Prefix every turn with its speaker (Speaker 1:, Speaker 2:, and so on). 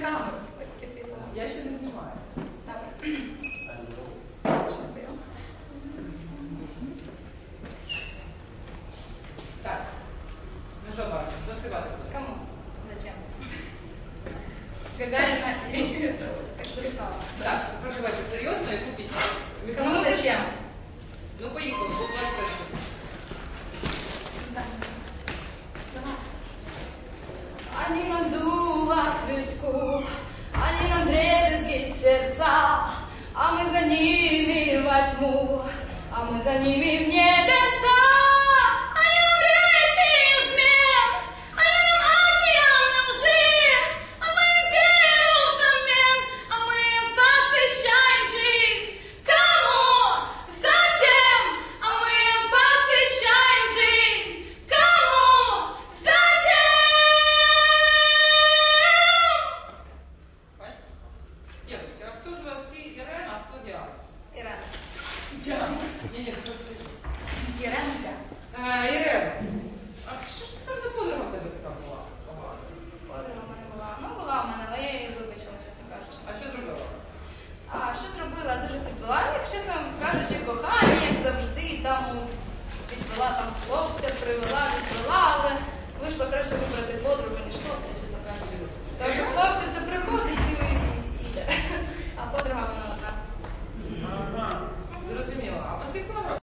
Speaker 1: камеру. Таке світло.
Speaker 2: Я ще не знімаю.
Speaker 1: Добре.
Speaker 2: Так. Ну що, Барбара, хто співати буде?
Speaker 1: Кому? Зачем?
Speaker 2: Гагаріна і...
Speaker 1: Экспрессала.
Speaker 2: Так, проживайте серйозно, яку пісню?
Speaker 1: Кому зачем?
Speaker 2: Ну, поїхали, що ваш перший.
Speaker 1: Они нам дуло к виску, они нам дребезги сердца, а мы за ними во тьму, а мы за ними в небеса. Они нам реки измен, они нам океаны лжи, а мы им веру взамен, а мы им посвящаем жизнь. Кому? Зачем? А мы им посвящаем жизнь. Кому? Зачем?
Speaker 2: Девочки, а хто з вас Ірена, а хто Діана?
Speaker 1: Ирена.
Speaker 2: Діана. Ні, просто...
Speaker 1: Ирена, да.
Speaker 2: Ірена, а що ж це там за подруга в тебе така була? Погана?
Speaker 1: Подруга в мене була. Ну, була в мене, але я її вибачила, чесно кажучи.
Speaker 2: А що зробила?
Speaker 1: А що зробила? Дуже підвела, як чесно кажучи, кохання, як завжди, там підвела там хлопця, привела, відвела, але вийшло краще вибрати подругу, ніж хлопця, чесно